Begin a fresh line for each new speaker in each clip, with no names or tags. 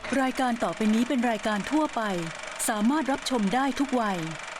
รายการต่อไปนี้เป็นรายการทั่วไปสามารถรับชมได้ทุกวัย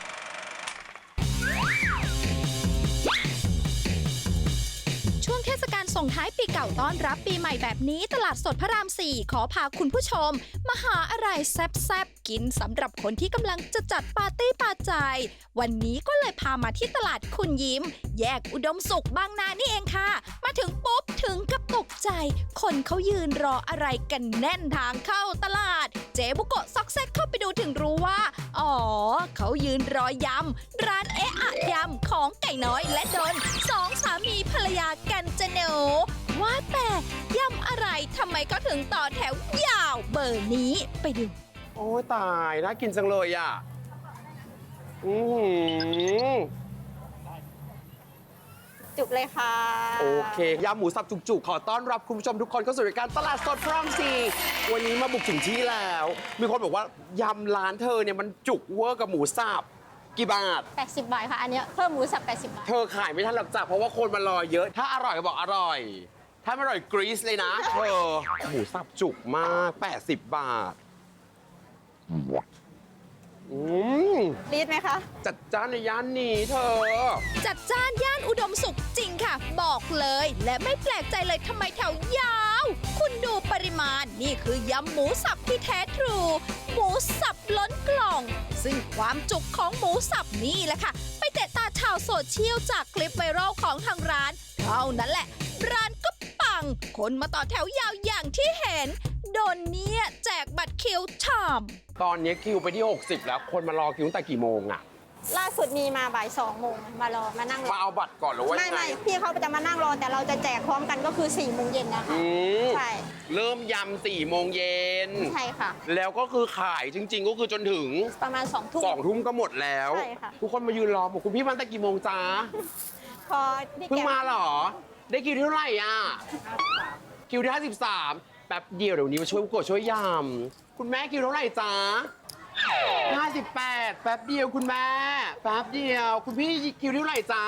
ช่วงเทศกาลส่งท้ายปีเก่าต้อนรับปีใหม่แบบนี้ตลาดสดพระราม 4 ขอพาคุณผู้ชมมาหาอะไรแซ่บๆกินสำหรับคนที่กำลังจะจัดปาร์ตี้ปาใจวันนี้ก็เลยพามาที่ตลาดคุณยิ้มแยกอุดมสุขบางนานี่เองค่ะมาถึงปุ๊บถึงกับตกใจคนเขายืนรออะไรกันแน่นทางเข้าตลาดเจ๊บุโกะซอกแซกเข้าไปดูถึงรู้ว่าอ๋อเขายืนรอยำร้านเอะอะยำของไก่น้อยและดนสองสามีภรรยากันจะหนูว่าแต่ยำอะไรทำไมก็ถึงต่อแถวยาวเบอร์นี้ไปดู
โอ้ยตายน่ากินจังเลยอ่ะ
จุกเลยค่ะ
โอเคยำหมูสับจุกๆขอต้อนรับคุณผู้ชมทุกคนเข้าสู่รายการตลาดสดพระราม 4วันนี้มาบุกถึงที่แล้วมีคนบอกว่ายำร้านเธอเนี่ยมันจุกเวอร์กับหมูสับกี่บาท
80 บาทค่ะอันนี้เพิ่มหมูสับ80 บาท
เธอขายไม่ทันหรอกจ้ะเพราะว่าคนมารอเยอะถ้าอร่อยก็บอกอร่อยถ้าไม่อร่อยกรีซเลยนะเธอหมูสับจุกมาก80 บาท
รีดไหมคะ
จัดจ้านในย่านนี้เธอ
จัดจ้านย่านอุดมสุขจริงค่ะบอกเลยและไม่แปลกใจเลยทำไมแถวยาวคุณดูปริมาณนี่คือยำหมูสับที่แท้ทรูหมูสับล้นกล่องซึ่งความจุกของหมูสับนี่แหละค่ะไปเตะตาชาวโซเชียลจากคลิปไวรัลของทางร้านเท่านั้นแหละร้านก็ปังคนมาต่อแถวยาวอย่างที่เห็นโดนเนี่ยแจกบัตรคิวชาม
ตอนนี้คิวไปที่60แล้วคนมารอคิวตั้งแต่กี่โมงอะ
ล่าสุดมีมาบ่าย2 โมงมารอมานั่งรอ
มาเอาบัตรก่อนหรือว่า
ไม่พี่เขาจะมานั่งรอแต่เราจะแจกพร้อมกันก็คือ4 โมงเย็นนะคะใช่
เริ่มยำ4 โมงเย็น
ใช่ค่ะ
แล้วก็คือขายจริงๆก็คือจนถึง
ประมาณ2 ทุ่ม
2 ทุ่มก็หมดแล้ว
ใช่ค่ะ
ทุกคนมายืนรอบอกคุณพี่มาตั้งแต่กี่โมงจ้า
พอ
เพิ่งมาเหรอได้คิวเท่าไหร่อ่ะคิวที่53แป๊บเดียวเดี๋ยวนี้มาช่วยกดช่วยยำคุณแม่คิวเท่าไหร่จ้า58แป๊บเดียวคุณแม่แป๊บเดียวคุณพี่คิวเท่าไหร่จ้า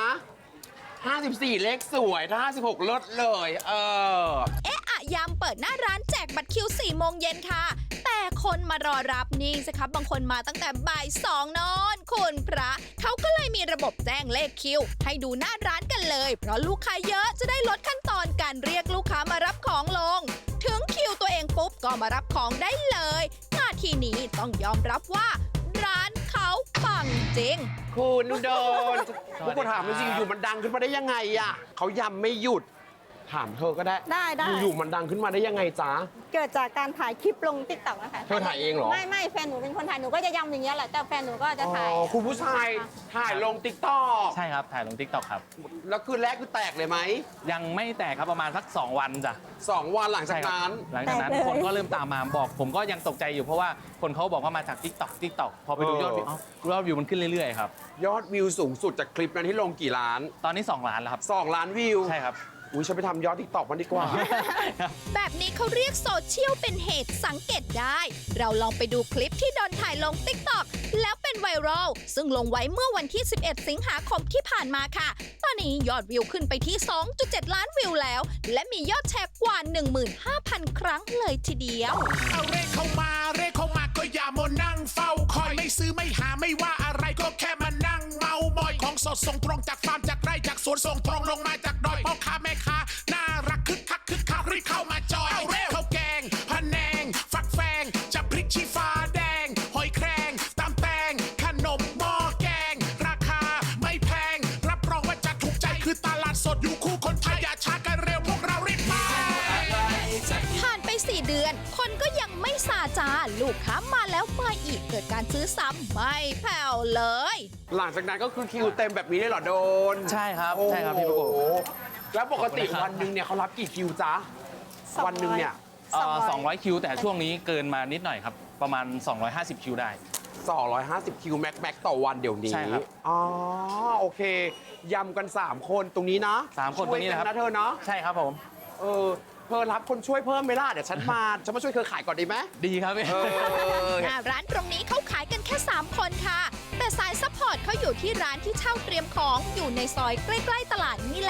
54เลขสวยถ้า56ลดเลย
เอ๊ะอะยำเปิดหน้าร้านแจกบัตรคิว4 โมงเย็นค่ะแต่คนมารอรับนี่สิครับบางคนมาตั้งแต่บ่าย2นอนคุณพระเขาก็เลยมีระบบแจ้งเลขคิวให้ดูหน้าร้านกันเลยเพราะลูกค้าเยอะจะได้ลดขั้นตอนการเรียกลูกค้ามารับของลงถึงคิวตัวเองปุ๊บก็มารับของได้เลยนาทีนี้ต้องยอมรับว่าร้านเขาปังจริง
คุณโดนทุกคนถามจริงอยู่มันดังขึ้นมาได้ยังไงอ่ะเขายำไม่หยุดถามเธอก็ได้อยู่มันดังขึ้นมาได้ยังไงจ๊ะ
เกิดจากการถ่ายคลิปลงติ๊กต็อกนะคะ
เธอถ่ายเองเหรอ
ไม่แฟนหนูเป็นคนถ่ายหนูก็จะยำอย่างเงี้ยแหละแต่แฟนหนูก็จะถ่าย
คุณผู้ชายถ่ายลงติ๊กต็อก
ใช่ครับถ่ายลงติ๊กต็อกครับ
แล้วคืนแรกคือแตกเลยไหม
ยังไม่แตกครับประมาณสัก2 วันจ้ะ
2 วันหลังจากนั้น
คนก็เริ่มตามมาบอกผมก็ยังตกใจอยู่เพราะว่าคนเขาบอกว่ามาจากติ๊กต็อกพอไปดูยอดวิวมันขึ้นเรื่อยๆครับ
ยอดวิวสูงสุดจากคลิปนั้นที่ลงกี่ล้าน
ตอนนี้2 ล้านแล้วครับ
2 ล้านวิว
ใช่ครับ
อุ้ยฉันไปทำยอดติ๊กต็อกมันดีกว่า
แบบนี้เขาเรียกโซเชียลเป็นเหตุสังเกตได้เราลองไปดูคลิปที่โดนถ่ายลงติ๊กต็อกแล้วเป็นไวรัลซึ่งลงไว้เมื่อวันที่11 สิงหาคมที่ผ่านมาค่ะตอนนี้ยอดวิวขึ้นไปที่ 2.7 ล้านวิวแล้วและมียอดแชร์กว่า 15,000 ครั้งเลยทีเดียว
เอาเร่เข้ามาก็อย่ามานั่งเฝ้าคอยไม่ซื้อไม่หาไม่ว่าอะไรก็แค่มานั่งเมามอยของสดส่งตรงจากฟาร์มจากไร่จากสวนส่งตรงลงมาจากดอยพ่อค้าแม่ค้าน่ารักคึกคักรีบเข้ามาจอยเอาเร่ข้าวแกงพะแนงฟักแฟงจะพริกชี้ฟ้าแดงหอยแครงตำแตงขนมหม้อแกงราคาไม่แพงรับรองว่าจะถูกใจคือตลาดสดอยู่คู่คนไทยอย่าช้ากันเร็วพวกเรารีบไป
ผ่านไป4 เดือนคนก็ยังไม่ซาจาลูกค้ามาแล้วมาอีกเกิดการซื้อซ้ำไม่แผ่วเลย
หลังจากนั้นก็คือคิวเต็มแบบนี้เลยเหรอโดน
ใช่ครับพี่ประกบ
แล้วปกติวันหนึ่งเนี่ยเขารับกี่คิวจ๊ะวันหนึ่งเนี่ย
200 คิวแต่ช่วงนี้เกินมานิดหน่อยครับประมาณ250 คิวได้
250 คิวแม็กต่อวันเดี๋ยวนี้
ใช่ครับ
อ๋อโอเคยำกัน3 คนตรงนี้นะ
3 คนตรงนี้นะครับ
นะเธอเนาะ
ใช่ครับผม
เธอรับคนช่วยเพิ่มไหมล่ะเดี๋ยวฉันมาช่วยเธอขายก่อนดีไหม
ดีครับ
หน้าร้านตรงนี้เขาขายกันแค่3 คนค่ะแต่สายซัพพอร์ตเขาอยู่ที่ร้านที่เช่าเตรียมของอยู่ในซอยใกล้ๆตลาดนี่แหละ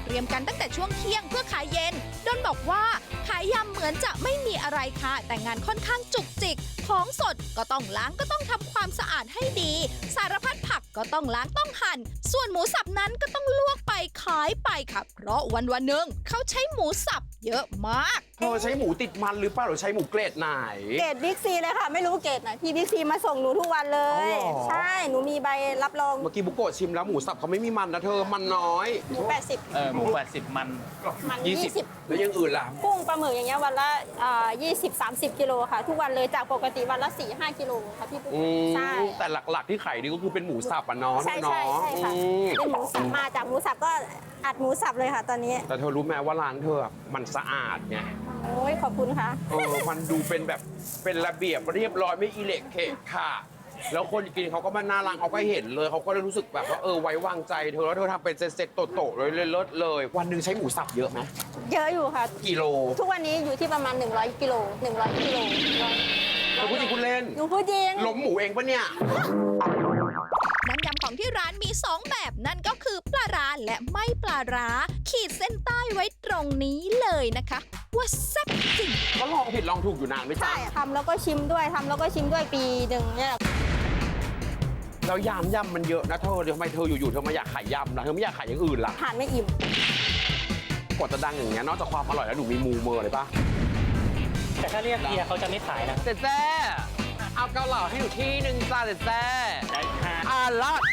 เตรียมกันตั้งแต่ช่วงเที่ยงเพื่อขายเย็นดนบอกว่าขายยำเหมือนจะไม่มีอะไรค่ะแต่งานค่อนข้างจุกจิกของสดก็ต้องล้างก็ต้องทำความสะอาดให้ดีสารพัดผักก็ต้องล้างต้องหั่นส่วนหมูสับนั้นก็ต้องลวกไปขายไปค่ะเพราะวันหนึ่งเขาใช้หมูสับเยอะมาก
เธอใช้หมูติดมันหรือเปล่าหรือใช้หมูเกรดไหน
เกรดบิ๊กซีเลยค่ะ ไม่รู้เกรดไหนพี่บิ๊กซีมาส่งหนูทุกวันเลย
อ๋อเหรอ
ใช่หนูมีใบรับรอง
เมื่อกี้บุโกะชิมแล้วหมูสับเขาไม่มีมันนะเธอมันน้อย
หมู80
หมู80มัน
มัน
20
แล้วอยังอื่นล่ะ
กุ้งปลาหมึกอย่างเงี้ยวันละ20-30 กิโลค่ะ ทุกวันเลยจากปกติวันละ 4-5 กิโลค่ะพี่ปุ๊ก
อืม
ใช่
แต่หลักๆที่ขายดีก็คือเป็นหมูสับอ่ะเนาะ
ใช่
เนาะ
ใช่ใช่ค่ะ
อืม
เป็นหมูสับมาจากหมูสับก็อัดหมูสับเลยค่ะตอนนี้
แต่เธอรู้ไหมว่าร้านเธอมันสะอาดไง
โอ้ยขอบคุณค่ะ
มันดูเป็นแบบเป็นระเบียบเรียบร้อยไม่อิเล็กเขะค่ะ แล้วคนกินเขาก็มาน่ารักเขาก็เห็นเลยเขาก็เลยรู้สึกแบบว่าไว้วางใจเธอแล้วเธอทำเป็นเซ็ตๆโตๆเลยเลิศเลย วันหนึ่งใช้หมูสับเยอะไหม
เยอะอยู่ค่ะ
กิโล
ทุกวันนี้อยู่ที่ประมาณ100 กิโล100 กิโล
เธอพูดจริงคุณเล่น
หนูพูดจริง
ล้มหมูเองปะเนี่ย
น้ำยำของที่ร้านมี 2 แบบนั่นก็คือปลาร้าและไม่ปลาร้า ขีดเส้นใต้ไว้ตรงนี้เลยนะคะ ว่าแซ่บจริง
ก็ลองผิดลองถูกอยู่นานไม่จ้า
ใช่ทำแล้วก็ชิมด้วยทำแล้วก็ชิมด้วยปีหนึ่งเนี่ย
แล้วยำมันเยอะนะเธอทำไมเธออยู่ๆเธอมาอยากขายยำล่ะเธอไม่อยากขายอย่างอื่นล่ะ
ทานไม่อิ่ม
กว่าจะดังอย่างเงี้ยนอกจากความอร่อยแล้วหนูมีมูเมอร์เลยปะ
แต่ถ้าเรียกเฮียเขาจะไม่ขายนะ
เจ๊เอาเกาเหลาให้หนูที่หนึ่งจ้าเจ๊
ได้ค่ะ
ลอด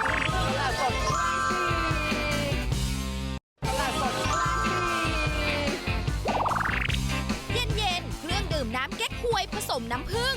เย็นๆ เครื่องดื่มน้ำเก๊กฮวยผสมน้ำผึ้ง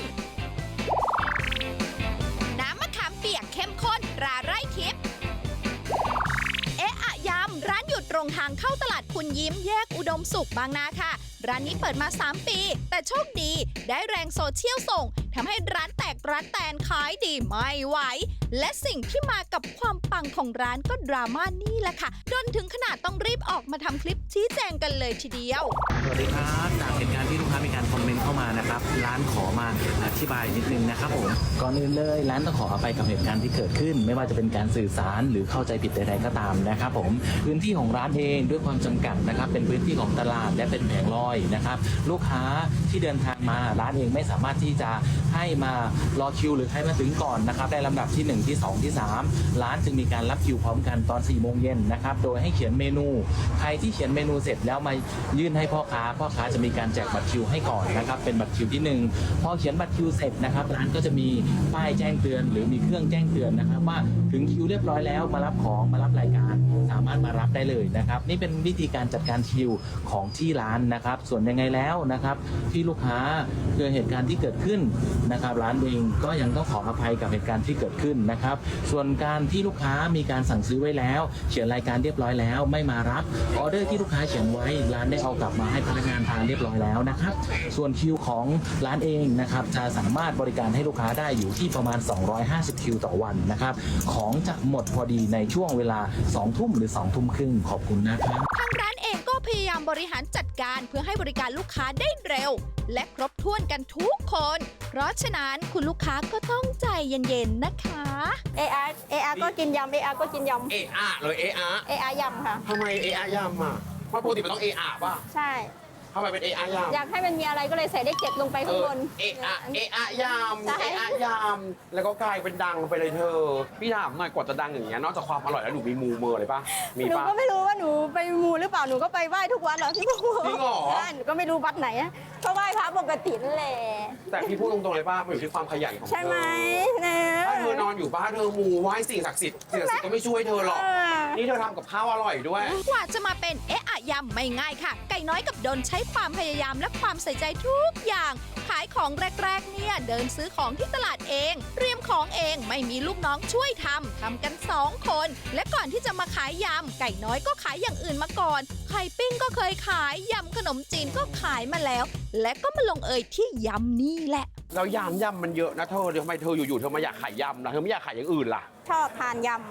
น้ำมะขามเปียกเข้มข้นตราไร่ทิพย์เอ๊ะอะยำร้านอยู่ตรงทางเข้าตลาดคุณยิ้มแยกอุดมสุขบางนาค่ะ ร้านนี้เปิดมา 3 ปี แต่โชคดีได้แรงโซเชียลส่งทำให้ร้านแตกร้านแตนขายดีไม่ไหว และสิ่งที่มากับความปังของร้านก็ดราม่านี่แหละค่ะจนถึงขนาดต้องรีบออกมาทำคลิปชี้แจงกันเลยทีเดียว
สวัสดีครับจากเหตุการณ์ที่ลูกค้ามีการคอมเมนต์เข้ามานะครับ ร้านขอมาอธิบายนิดนึงนะครับผมก่อนอื่นเลยร้านต้องขออภัยกับเหตุการณ์ที่เกิดขึ้น ไม่ว่าจะเป็นการสื่อสารหรือเข้าใจผิดใดๆก็ตามนะครับผมพื้นที่ของร้านเองด้วยความจำกัดนะครับเป็นพื้นที่ของตลาดและเป็นแผงลอยนะครับลูกค้าที่เดินทางมาร้านเองไม่สามารถที่จะให้มารอคิวหรือให้มาถึงก่อนนะครับในลำดับที่1ที่2ที่3ร้านจึงมีการรับคิวพร้อมกันตอน4 โมงเย็นนะครับโดยให้เขียนเมนูใครที่เขียนเมนูเสร็จแล้วมายื่นให้พ่อค้าจะมีการแจกบัตรคิวให้ก่อนนะครับเป็นบัตรคิวที่1พอเขียนบัตรคิวเสร็จนะครับร้านก็จะมีป้ายแจ้งเตือนหรือมีเครื่องแจ้งเตือนนะครับว่าถึงคิวเรียบร้อยแล้วมารับของมารับรายการสามารถมารับได้เลยนะครับนี่เป็นวิธีการจัดการคิวของที่ร้านนะครับส่วนยังไงแล้วนะครับที่ลูกค้าเกิดเหตุการณ์ที่เกิดขึ้นนะครับร้านเองก็ยังต้องขออภัยกับเหตุการณ์ที่เกิดขึ้นนะครับส่วนการที่ลูกค้ามีการสั่งซื้อไว้แล้วเขียนรายการเรียบร้อยแล้วไม่มารับออเดอร์ที่ลูกค้าเขียนไว้ร้านได้เอากลับมาให้พนักงานทานเรียบร้อยแล้วนะครับส่วนคิวของร้านเองนะครับจะสามารถบริการให้ลูกค้าได้อยู่ที่ประมาณ250คิวต่อวันนะครับของจะหมดพอดีในช่วงเวลา2 ทุ่มหรือ2 ทุ่มครึ่งขอบคุณนะครับ
ทางร้านเองก็พยายามบริหารจัดการเพื่อให้บริการลูกค้าได้เร็ว และครบถ้วนกันทุกคน เพราะฉะนั้นคุณลูกค้าก็ต้องใจเย็นๆนะคะ
เออาก็กินยำก็กินยำ
เอะเลยเอะ
เอยำค่ะ
ทำไมเอะยำอ่ะเพราะปกติมันต้องเอะป่ะ
ใช่
ทำไมเป็นเอะยำ
อยากให้มันมีอะไรก็เลยใส่เลข7ลงไปข้างบน
เอะยำ
ใช่
เอะยำแล้วก็กลายเป็นดังไปเลยเธอพี่ถามหน่อยกว่าจะดังอย่างเงี้ยนอกจากความอร่อยแล้วหนูมีมูเมอร์เลยป่ะมี
หนู
ป่ะ
ก็ไม่รู้ว่าหนูไปมูหรือเปล่าหนูก็ไปไหว้ทุกวันเหรอพี่ปุ๊ก
จริงเหรอ
ใช่หนูก็ไม่รู้วัดไหนอะก็ไหว้พระปกตินั่นแหละ
แต่พี่พูดตรงๆเลยป่ะมันอยู่ที่ความขยันของเธอ
ใช่ไหมนะ
ถ้าเธอนอนอยู่บ้านเธอมูไหว้สิ่งศักดิ์สิทธิ์ก็ไม่ช่วยเธอหรอก นี่เธอทำกับข้าวอร่อยด้วย
กว่าจะมาเป็นเอ๊ะอะยำไม่ง่ายค่ะ ไก่น้อยกับดนใช้ความพยายามและความใส่ใจทุกอย่าง ขายของแรกๆเนี่ยเดินซื้อของที่ตลาดเองเตรียมของเองไม่มีลูกน้องช่วยทำกัน2 คน และก่อนที่จะมาขายยำไก่น้อยก็ขายอย่างอื่นมาก่อนไข่ปิ้งก็เคยขายยำขนมจีนก็ขายมาแล้ว และก็มาลงเอยที่ยำนี่แหละ
แล้วยำมันเยอะนะเธอทำไมเธออยู่ๆเธอมาอยากขายยำล่ะเธอไม่อยากขายอย่างอื่นล่ะ
ชอบทานย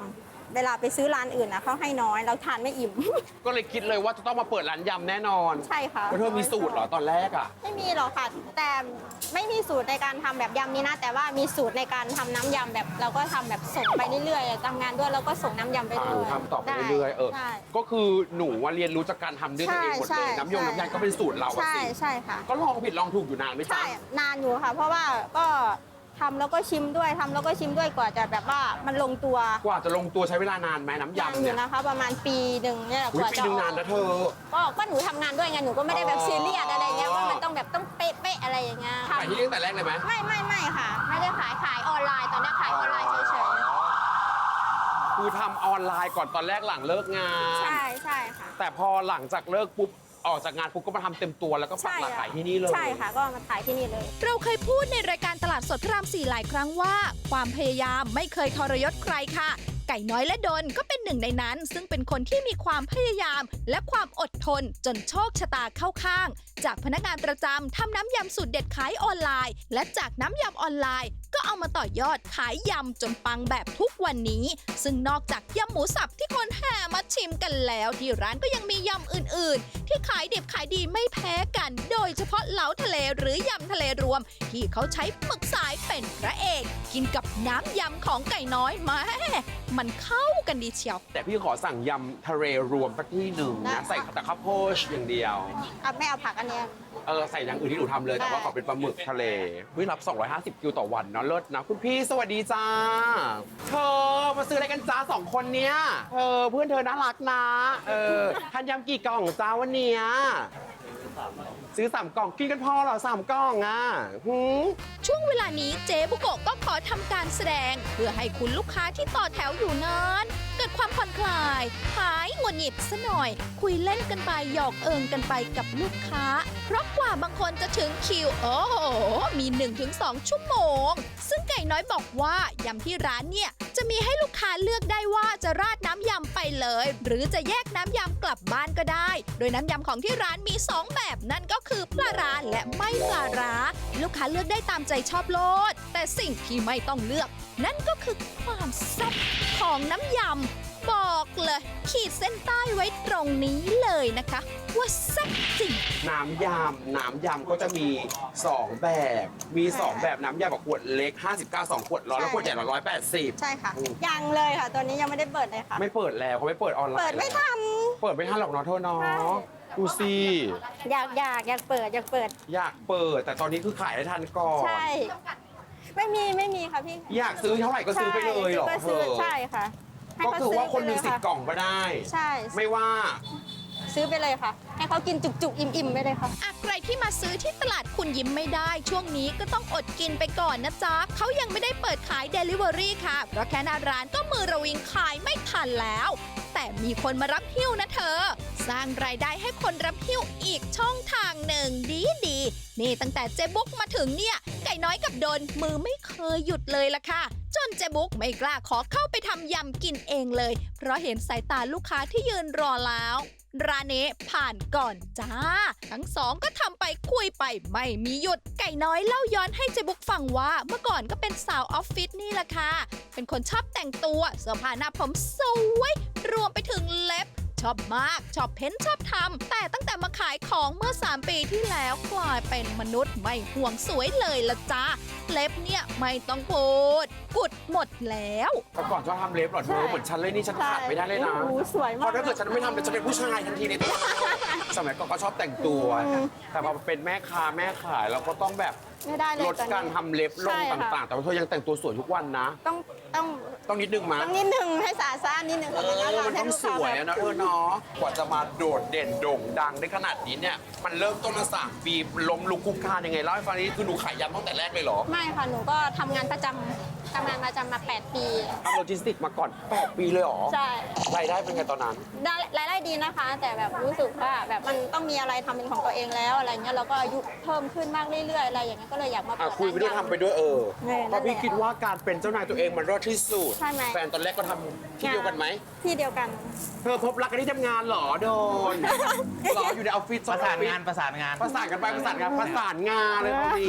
เวลาไปซื้อร้านอื่นนะเขาให้น้อยเราทานไม่อิ่ม
ก็เลยคิดเลยว่าจะต้องมาเปิดร้านยำแน่นอน
ใช่ค่ะ
แล้วเธอมีสูตรเหรอตอนแรกอ่ะ
ไม่มีหรอกค่ะ แต่ไม่มีสูตรในการทำแบบยำนี้นะ แต่ว่ามีสูตรในการทำน้ำยำแบบเราก็ทำแบบส่งไปเรื่อยๆทำงานด้วยแล้วก็ส่งน้ำยำไปเรื่อยๆ
ทำต่อไปเรื่อยๆ
ใช่
ก็คือหนูว่าเรียนรู้จากการทำด้วยตัวเองหมด
ใช่
เลย
ใช่
น้ำยำก็เป็นสูตรเราอะ
ใช่
สิ
ใช่ค่ะ
ก็ลองผิดลองถูกอยู่นานไหมจ๊ะ
ใช่นานอยู่ค่ะ เพราะว่าก็ทำแล้วก็ชิมด้วยทำแล้วก็ชิมด้วยกว่าจะแบบว่ามันลงตัว
กว่าจะลงตัวใช้เวลานานไหมน้ำ
นาน
ยำ
อ
เนี่
ยู่
ย
นะคะ ประมาณปีหนึ่งเนี่ย
อุ๊
ก
ย
ว่า
ปี
จะ
หนึง
อ
นา
อน ก
นะเธอ
ก็หนูทำงานด้วยไงหนูก็ไม่ได้แบบ
อ๋อ
ซีเรียสอะไรเงี้ยว่ามันต้องแบบต้องเป๊ะๆอะไรอย่างเงี้ย
ขายที่นี่ตั้งแต่แรกเลยไหม
ไม่ค่ะ ไม่ได้ขายออนไลน์ตอนนี้ขายออนไลน์เฉย
คือทำออนไลน์ก่อนตอนแรกหลังเลิกงาน
ๆใช่ใช่ค่ะ
แต่พอหลังจากเลิกปุ๊บออกจากงานปุ๊บก็มาทำเต็มตัวแล้วก็ปักหลักขายที่นี่เลย
ใช่ค่ะ ก็มาขายที่นี่เลย
เราเคยพูดในรายการตลาดสดพระราม 4 หลายครั้งว่า ความพยายามไม่เคยทรยศใครค่ะ ไก่น้อยและดนก็เป็นหนึ่งในนั้น ซึ่งเป็นคนที่มีความพยายาม และความอดทนจนโชคชะตาเข้าข้าง จากพนักงานประจำทำน้ำยำสูตรเด็ดขายออนไลน์ และจากน้ำยำออนไลน์ ก็เอามาต่อยอดขายยำจนปังแบบทุกวันนี้ ซึ่งนอกจากยำหมูสับที่คนแห่มาชิมกันแล้ว ที่ร้านก็ยังมียำอื่นๆ ที่ขายดิบขายดีไม่แพ้กัน โดยเฉพาะเหลาทะเลหรือยำทะเลรวม ที่เขาใช้หมึกสายเป็นพระเอก กินกับน้ำยำของไก่น้อยแม่มันเข้ากันดีเชียว
แต่พี่ขอสั่งยำทะเลรวมสักที่หนึ่ง
ได้
นะ
ค่ะ
ใส่แต่ข้าวโพดอย่างเดียว
ไม่เอาผักอันเนี้ย
ใส่อย่างอื่นที่หนูทำเลยแต่ว่าขอเป็นปลาหมึกทะเลวิรับ 250 กิโลต่อวันเนาะเลิศนะ คุณพี่สวัสดีจ้า เธอมาซื้ออะไรกันจ้า2 คนเนี้ยเพื่อนเธอน่ารักนะทานยำกี่กล่องจ้าวันเนี้ยซื้อ3 กล่องกินกันพอเหรอ3 กล่องอ่ะหืม
ช่วงเวลานี้เจ๊บุโกะก็ขอทำการแสดง เพื่อให้คุณลูกค้าที่ต่อแถวอยู่นั้นเกิดความผ่อนคลายหายหงุดหงิดซะหน่อย คุยเล่นกันไปหยอกเอิงกันไปกับลูกค้า เพราะกว่าบางคนจะถึงคิวโอ้โหมี 1-2 ชั่วโมง ซึ่งไก่น้อยบอกว่ายำที่ร้านเนี่ยจะมีให้ลูกค้าเลือกได้ว่าจะราดน้ำยำไปเลย หรือจะแยกน้ำยำกลับบ้านก็ได้ โดยน้ำยำของที่ร้านมี 2 แบบนั่นก็คือปลาร้าและไม่ปลาร้าลูกค้าเลือกได้ตามใจชอบโลด แต่สิ่งที่ไม่ต้องเลือก นั่นก็คือความแซ่บของน้ำยำบอกเลยขีดเส้นใต้ไว้ตรงนี้เลยนะคะ ว่าแซ่บจริง
น้ำยำก็จะมี 2 แบบ มี 2 แบบน้ำยำแบบขวดเล็ก 59 2 ขวดร้อยแล้วขวดใหญ่180
ใช่ค่ะ ยังเลยค่ะ ตัวนี้ยังไม่ได้เปิดเลยค่ะ
ไม่เปิดแล้วเขาไม่เปิดออนไลน์
เปิดไม่ทัน
เปิดไม่ทันหรอกเนาะเธอเนาะ
ใช่
ดูสิ
อยากเปิด
อยากเปิด แต่ตอนนี้คือขายให้ทันก่อน
ใช่ ไม่มีค่ะพี่
อยากซื้อเท่าไหร่ก็ซื้อไปเลยเหรอ
ก็
เธ
ซื้อ
อ
ใช่ค่ะให้
ก็
เข
คือว่าคนมี
ซื้
สิท
ไป
ธิ์กล่องก็ได้
ใช่
ไม่ว่า
ซื้อไปเลยค่ะ ให้เขากินจุกๆ อิ่มๆไปเลยค่ะ
อะใครที่มาซื้อที่ตลาดคุณยิ้มไม่ได้ ช่วงนี้ก็ต้องอดกินไปก่อนนะจ๊ะเขายังไม่ได้เปิดขาย Delivery ค่ะ เพราะแค่หน้าร้านก็มือระวิงขายไม่ทันแล้ว แต่มีคนมารับหิ้วนะเธอ สร้างรายได้ให้คนรับหิ้วอีกช่องทางหนึ่งดีนี่ตั้งแต่เจ๊บุ๊กมาถึงเนี่ย ไก่น้อยกับโดนมือไม่เคยหยุดเลยล่ะค่ะ จนเจ๊บุ๊กไม่กล้าขอเข้าไปทำยำกินเองเลย เพราะเห็นสายตาลูกค้าที่ยืนรอแล้ว ร้านนี้ผ่านก่อนจ้า ทั้งสองก็ทำไปคุยไปไม่มีหยุด ไก่น้อยเล่าย้อนให้เจ๊บุ๊กฟังว่าเมื่อก่อนก็เป็นสาวออฟฟิศนี่แหละค่ะ เป็นคนชอบแต่งตัวเสื้อผ้าหน้าผมสวย รวมไปถึงเล็บ ชอบมาก ชอบเพ้นชอบทำแต่ตั้งแต่มาขายของเมื่อ 3 ปีที่แล้วกลายเป็นมนุษย์ไม่ห่วงสวยเลยละจ้าเล็บเนี่ยไม่ต้องพูดกุดหมดแล้ว
แต่ก่อนชอบทำเล็บเหรอเธ
ใช่
อเหมือนฉันเลยนี่ฉันขาดไม่ได้เลยนะ
โอ้โหสวยมาก
เพราะถ้าเกิดฉันไม่ทำเดี๋ยวจะเป็นผู้ชายทันทีในตัวสมัยก่อนก็ชอบแต่งตัว แต่พอเป็นแม่ค้าแม่ขายเราก็ต้องแบบ
ไม่ได้เลย
ลด
ตอนนี้
การทำเล็บลง
ใช่ค่ะ
ต่างๆ แต่ว่าเธอยังแต่งตัวสวยทุกวันนะ
ต้อง
ต้องนิดนึงมั้ย
นิดนึงให้สะอาดสะอ้านนิดนึงค่ะไม่งั้นเรา
มัน
ให้
ต้อง
ลูก
ส
ค้า
วย
แบบ
อะนะเนาะกว่าจะมาโดดเด่นโด่งดังได้ขนาดนี้เนี่ยมันเริ่มต้นมา3 ปีล้มลุกคลุกคลานยังไงเล่าให้ฟังนี้คือหนูขายยำตั้งแต่แรกเลยเหรอ
ไม่ค่ะ หนูก็ทำงานประจำมา 8 ปี
ทำโลจิสติกส์มาก่อน 8 ปีเลยเหรอ
ใช่
รายได้เป็นไงตอนนั้น
รายได้ดีนะคะ แต่แบบรู้สึกว่าแบบมันต้องมีอะไรทำเป็นของตัวเองแล้วอะไรเงี้ยเราก็อายุเพิ่มขึ้นมากเรื่อยๆอะไรอย่างเงี้ยก็เลยอยากมาเปิด
คุยไปด้วย
ร้าน
ทำไปด้วย
นั่นแหละ
เพราะพี่คิดว่าการเป็นเจ้านายตัวเองมันรอดที่สุด
ใช่ไหม
แฟนตอนแรกก็ทำที่เดียวกันไหม
ที่เดียวกัน
เธอพบรักกันที่ทำงานเหรอโดนเหรออยู่ในออฟฟิศ
ประสานงาน
ประสานกันไปประสานงานเลยตอนนี้
โด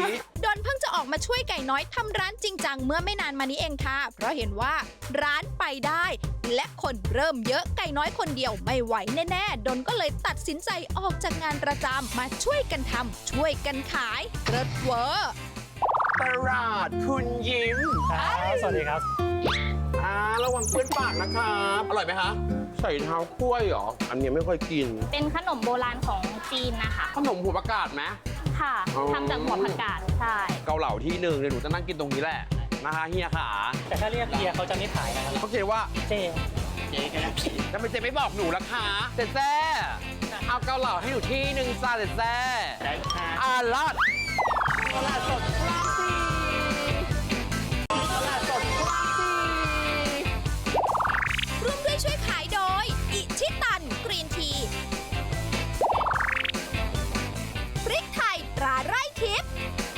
นเพิ่งจะออกมาช่วยไก่น้อยทำร้านจริงจังเมื่อไม่นานมานี้เองค่ะ เพราะเห็นว่าร้านไปได้ และคนเริ่มเยอะไก่น้อยคนเดียวไม่ไหวแน่ๆดนก็เลยตัดสินใจออกจากงานประจำมาช่วยกันทำช่วยกันขายเลิศเวอร์
ตลาดคุณยิ้ม
ครับสวัสดีครับ
ระวังเปื้อนปากนะครับอร่อยไหมคะใส่เท้ากล้วยเหรออันนี้ไม่ค่อยกิน
เป็นขนมโบราณของจีนนะคะ
ขนมหัวประกาศไหม
ค่ะ
อ๋อ
ทำจากหัวผักกาดใช่
เกาเหลาที่หนึ่งเดี๋ยวหนูจะนั่งกินตรงนี้แหละนะคะเฮียขา
แต่ถ้าเรียกเฮียเขาจะไม่ขายนะครับ
เขาเขียนว่า
เจ
ทำไมเจ๊ไม่บอกหนูล่ะคะเจ๊แจ้เอาเกาเหลาให้หนูที่หนึ่งจ้าเจ๊แจ้ลาดตลาดสดคลองสี่ตลาดสดคลองสี่
ร่วมด้วยช่วยขายโดย อิชิตันกรีนที พริกไทยตราไร่ทิพย์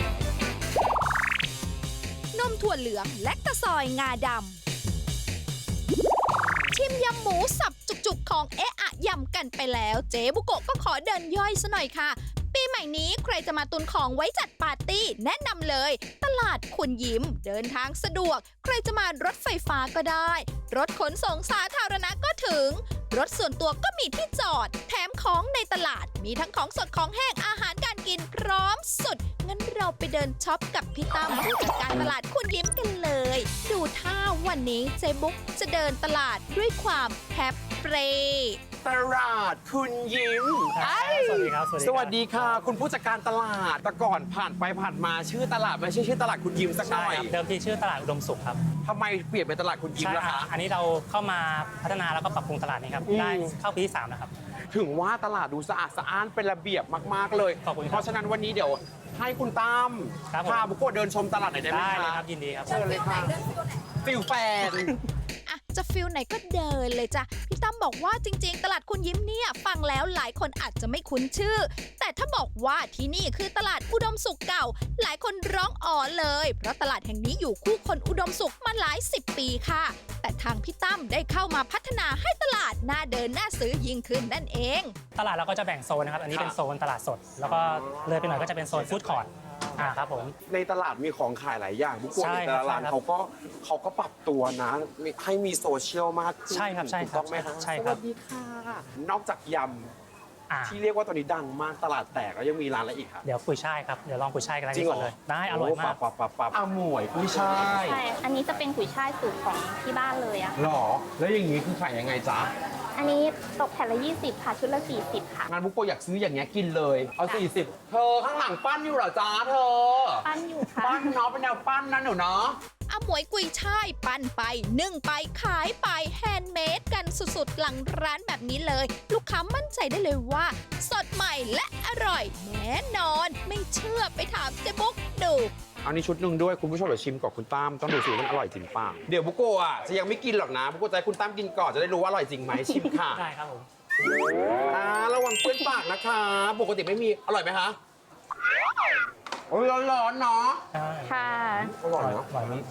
นมถั่วเหลืองและตะซอยงาดำ ชิมยำหมูสับจุกๆของเอะอะยำกันไปแล้ว เจ๊บุโกะก็ขอเดินย่อยซะหน่อยค่ะ ปีใหม่นี้ใครจะมาตุนของไว้จัดปาร์ตี้แนะนำเลย ตลาดคุณยิ้มเดินทางสะดวก ใครจะมารถไฟฟ้าก็ได้ รถขนส่งสาธารณะก็ถึง รถส่วนตัวก็มีที่จอด แถมของในตลาดมีทั้งของสดของแห้งอาหารการกินพร้อมสุด งั้นเราไปเดินช็อปกับพี่ตั้มผู้จัดการตลาดคุณยิ้มกันเลย ดูท่าวันนี้เจ๊บุ๊กจะเดินตลาดด้วยความแฮปเปร
ตลาดคุณยิ้ม
สวัสดีครับ
สวัสดีค่ะ คุณผู้จัดการตลาดแต่ก่อนผ่านไปผ่านมาชื่อตลาดไม่ใช่ชื่อตลาดคุณยิ้มสักห
ใช่
น่อย
ครับเดิมทีชื่อตลาดอุดมสุขครับ
ทำไมเปลี่ยนเป็นตลาดคุณยิ้ม
ใช่
ล่ะ
ครั
คะ
บอันนี้เราเข้ามาพัฒนาแล้วก็ปรับปรุงตลาดนี้ครับ
อืม
ได้เข้าปีที่3แล้วครับ
ถึงว่าตลาดดูสะอาดสะอ้านเป็นระเบียบมากๆเลย
ขอบคุณครับ
เพราะฉะนั้นวันนี้เดี๋ยวให้คุณตั้ม
ครับผม
พาบุกโกะเดินชมตลาดหน่อยได้ไหม
ได้
คะ
เลยครับยินดีครับ
เชิญเลยค่ะฟิลแฟน
อ่ะจะฟิลไหนก็เดินเลยจ้ะ พี่ตั้มบอกว่าจริงๆ ตลาดคุณยิ้มเนี่ยฟังแล้วหลายคนอาจจะไม่คุ้นชื่อ แต่ถ้าบอกว่าที่นี่คือตลาดอุดมสุขเก่า หลายคนร้องอ๋อเลย เพราะตลาดแห่งนี้อยู่คู่คนอุดมสุขมาหลาย10 ปีค่ะ แต่ทางพี่ตั้มได้เข้ามาพัฒนาให้ตลาดน่าเดินน่าซื้อยิ่งขึ้นนั่นเอง
ตลาดเราก็จะแบ่งโซนนะครับ อันนี้เป็นโซนตลาดสด แล้วก็เลยไปหน่อยก็จะเป็นโซนฟู้ดคอร์ทครับผม
ในตลาดมีของขายหลายอย่างบุกโกะ
ใช่
ใน
ครับ
ตลาด
ใช่ครับ
เขาก็ปรับตัวนะให้มีโซเชียลมากขึ้น
ใช่ครับใช่
ถูก
ครับ
ต้องไหมคะ
ใช่
ส
ครั
วั
บ
สดีค่ะ นอกจากย
อ่า
ำที่เรียกว่าตอนนี้ดังมากตลาดแตกแล้วยังมีร้านอะไรอีกคะ
เดี๋ยวกุยช่ายครับ เดี๋ยวลองกุยช่ายกันได้
จริงเหรอ
ก่อนเลย ได้อร่อยมาก
ปับหมวยกุ้ยช่าย
ใช่ อันนี้จะเป็นกุยช่ายสูตรของที่บ้านเลยอะ
หรอ แล้วอย่างนี้คือขายยังไงจ๊ะ
อันนี้ตกแผ่นละ 20 ค่ะ ชุดละ 40 ค่ะ
งานบุกโกะอยากซื้ออย่างเงี้ยกินเลย เอา40เธอข้างหลังปั้นอยู่เหรอจ๊ะเธอ
ปั้นอยู่ค่ะ
ปั้นเนาะเป็นแนวปั้นนะหนูเนาะ
อาหมวยกุยช่ายปั้นไปนึ่งไปขายไปแฮนด์เมดกันสุดๆ หลังร้านแบบนี้เลย ลูกค้ามั่นใจได้เลยว่า สดใหม่และอร่อยแน่นอน ไม่เชื่อไปถามเจ๊บุ๊กดู
เอานี่ชุดหนึ่งด้วยคุณผู้ชมเดี๋ยวชิมก่อนคุณตั้มต้องดูสิว่ามันอร่อยจริงเปล่าเดี๋ยวบุกโกะอ่ะจะยังไม่กินหรอกนะบุกโกะจะให้คุณตั้มกินก่อนจะได้รู้ว่าอร่อยจริงไหมชิมค่ะ
ได้ครับผม
ระวังเปื้อนปากนะคะ ปกติไม่มีอร่อยไหมคะโอ้ยร้อนๆเนาะ
ใช่
ค่ะ
อร่อยเนาะ
อร่อยนี้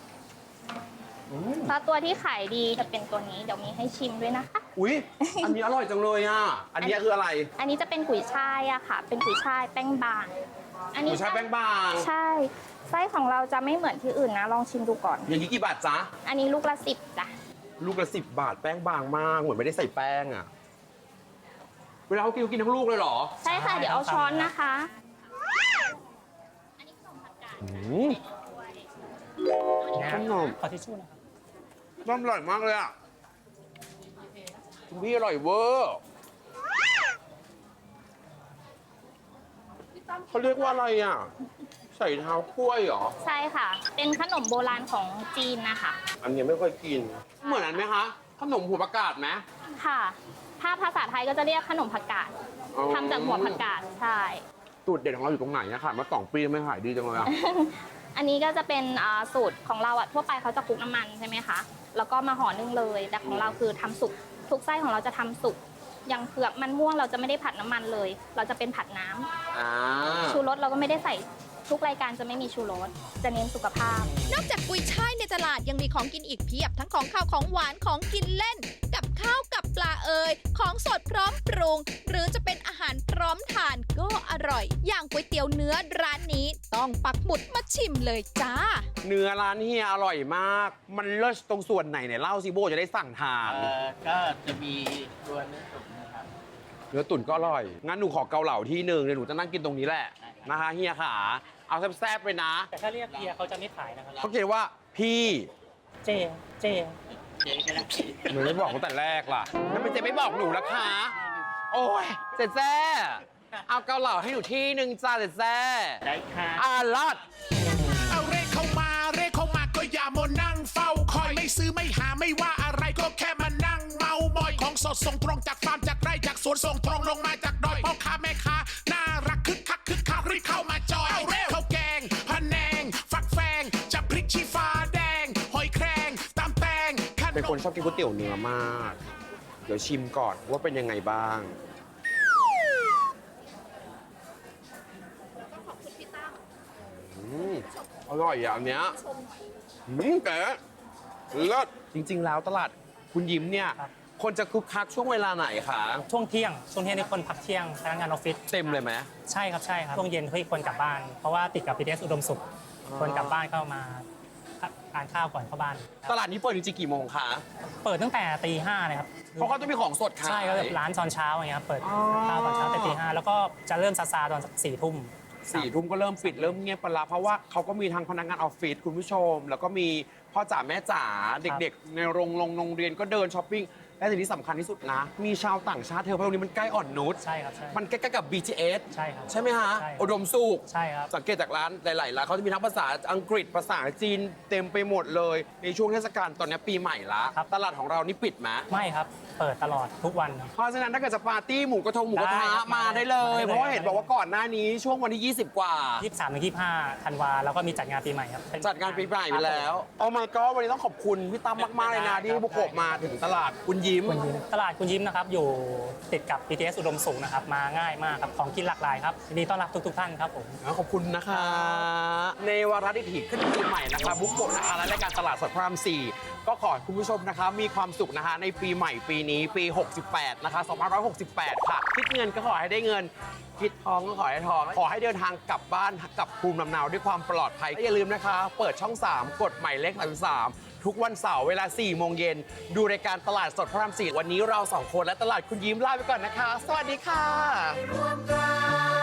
ถ้าตัวที่ขายดีจะเป็นตัวนี้ เดี๋ยวมีให้ชิมด้วยนะคะ
อุ๊ยอันนี้อร่อยจังเลยอ่ะอันนี้คืออะไร
อันนี้จะเป็นกุยช่ายอะค่ะ เป็นกุยช่ายแป้งบาง อัน
ห
นี้
มูชาแป้งบาง
ใช่ ไส้ของเราจะไม่เหมือนที่อื่นนะ ลองชิมดูก่อน
อย่างนี้กี่บาทจ๊ะ
อันนี้ลูกละ 10จ้ะ
ลูกละ10 บาทแป้งบางมากเหมือนไม่ได้ใส่แป้งอ่ะเวลาเขากินทั้งลูกเลยเหรอ
ใช่ค่ะ เดี๋ยวเอาช้อนนะคะ
อืม
เนี่ย
ขนม
ขอทิชชู่นะครับ
น้ำอร่อยมากเลยอ่ะคุณพี่อร่อยเวอร์เขาเรียกว่าอะไรอ่ะ ใส่เท้ากล้วยเหรอ
ใช่ค่ะ เป็นขนมโบราณของจีนนะคะ
อันนี้ไม่ค่อยกิน เหมือนอันไหมคะ ขนมหัวประกาศไหม
ค่ะ ถ้าภาษาไทยก็จะเรียกขนมผักกาด
อ๋อ
ทำจากหัวผักกาด ใช่
สูตรเด็ดของเราอยู่ตรงไหนอะค่ะมา2 ปีไม่ขายดีจังเลยอะ
อันนี้ก็จะเป็นสูตรของเราอะทั่วไปเขาจะคลุกน้ำมันใช่ไหมคะ แล้วก็มาห่อนึ่งเลย แต่ของเราคือทำสุก ทุกไส้ของเราจะทำสุก อย่างเผือกมันม่วงเราจะไม่ได้ผัดน้ำมันเลย เราจะเป็นผัดน้ำ
อ่า
ชูรสเราก็ไม่ได้ใส่ ทุกรายการจะไม่มีชูรส จะเน้นสุขภาพ
นอกจากกุยช่ายในตลาดยังมีของกินอีกเพียบทั้งของข้าวของหวานของกินเล่น กับข้าวกับปลาของสดพร้อมปรุง หรือจะเป็นอาหารพร้อมทานก็อร่อย อย่างก๋วยเตี๋ยวเนื้อร้านนี้ต้องปักหมุดมาชิมเลยจ้า
เนื้อร้านเฮียอร่อยมาก มันเลิศตรงส่วนไหนเนี่ยเล่าซิโบจะได้สั่งทาน
ก็จะมีตัวเนื้อตุ๋นนะครับ
เนื้อตุ๋นก็อร่อย งั้นหนูขอเกาเหลาที่หนึ่งเดี๋ยวหนูจะนั่งกินตรงนี้แหละนะคะเฮียขาเอาแซ่บๆไปนะ
แต่ถ้าเรียกเฮียเขาจะไม่ขายนะครับ
เขาเขียนว่าพี่
เจ
เจ๊ก็ได้
หนูไม่บอกตั้งแต่แรกล่ะแล้วมันจะไม่บอกหนูละคะโอ้ยเสร็จแซ่เอาเกาเหลาให้หนูที่หนึ่งจ้าเสร็จแซ่
ได้ค่ะ
ลอด
เอาเรขเข้ามาก็อย่ามัวนั่งเฝ้าคอยไม่ซื้อไม่หาไม่ว่าอะไรก็แค่มานั่งเมามอยของสดส่งตรงจากฟาร์มจากไร่จากสวนส่งตรงลงมาจากดอยพ่อค้าแม่ค้าน่ารักคึกคักรีบเข้ามาจอยเอาเร็วข้าวแกงพะแนงฟักแฟงจะพริกชี้ฟ้าแดงหอยแครงตำแตงขน
เป็นคน
ม
ชอบกินก๋วยเตี๋ยวเนื้อมาก เดี๋ยวชิมก่อนว่าเป็นยังไงบ้างอร่อยอ่ะอันเนี้ยแต่เลิศจริง ๆ แล้วตลาดคุณยิ้มเนี่ย
ครับ
คนจะคึกคักช่วงเวลาไหนคะ
ช่วงเที่ยงนี่คนพักเที่ยงพนักงานออฟฟิศ
เต็มเลยไหม
ใช่ครับช่วงเย็นเฮ้ยคนกลับบ้าน เพราะว่าติดกับ BTS อุดมสุขคนกลับบ้านเข้ามาทานข้าวก่อนเข้าบ้าน
ตลาดนี้เปิดจริงๆกี่โมงคะ
เปิดตั้งแต่ตีห้าเลยครับ
เพราะเขาจะมีของสดขาย
ใช่ก็แบบร้านตอนเช้าอย่างเงี้ยครับเปิด
อ๋อ
ข้าวตอนเช้าแต่ตีห้าแล้วก็จะเริ่มซาตอน4 ทุ่ม
4 ทุ่มก็เริ่มปิดเริ่มเงียบไปละเพราะว่าเขาก็มีทางพนักงานออฟฟิศคุณผู้ชม แล้วก็มีพ่อจ๋าแม่จ๋าเด็กๆ ในโรงเรียนก็เดินช้อปปิ้งและสิ่งที่สำคัญที่สุดนะ มีชาวต่างชาติเธอเพราะตรงนี้มันใกล้อ่อนนุช
ใช่ครับใช่
มันใกล้ๆกับ BTS
ใช่ครับ
ใช่ไหมฮะ
ใช่ครับ
อุดมสุข
ใช่ครับ
สังเกตจากร้านหลายๆร้านเขาจะมีทั้งภาษาอังกฤษภาษาจีนเต็มไปหมดเลย ในช่วงเทศกาลตอนนี้ปีใหม่ละ
ครับ
ตลาดของเรานี่ปิดไหม
ไม่ครับ เปิดตลอดทุกวัน
เพราะฉะนั้นถ้าเกิดจะปาร์ตี้หมูกระทะ
ได้ครับ
มาได้เลย
มาได้เลย
เพราะว่าเห็นบอกว่าก่อนหน้านี้ช่วงวันที่ 20 กว่า
23-25 ธันวาแล้วก็มีจัดงานปีใหม่ครับเป็น
จัดงานปีใหม่ไปแล้วโอ้ my god วันนี้ต้องขอบคุณพี่ตั้มมาก ๆ เลยนะที่ให้บุกโกะมาถึงตลาดคุณยิ้ม
ตลาดคุณยิ้มนะครับอยู่ติดกับ BTS อุดมสุขนะครับมาง่ายมากครับของกินหลากหลายครับยินดีต้อนรับทุกท่านครับผม
ขอบคุณนะคะ ในวาระดิถีขึ้นปีใหม่นะคะบุกโกะนะคะและรายการตลาดสดพระราม 4 ก็ขอให้คุณผู้ชมนะคะมีความสุขนะคะในปีใหม่ปีนี้ปี 68 นะคะ 2568 ค่ะ คิดเงินก็ขอให้ได้เงิน คิดทองก็ขอให้ทอง ขอให้เดินทางกลับบ้านกลับภูมิลำเนาด้วยความปลอดภัยและอย่าลืมนะคะ เปิดช่อง 3 กดหมายเลข33ทุกวันเสาร์เวลา 4 โมงเย็นดูรายการตลาดสดพระราม 4 วันนี้เรา 2 คนและตลาดคุณยิ้มลาไปก่อนนะคะ สวัสดีค่ะ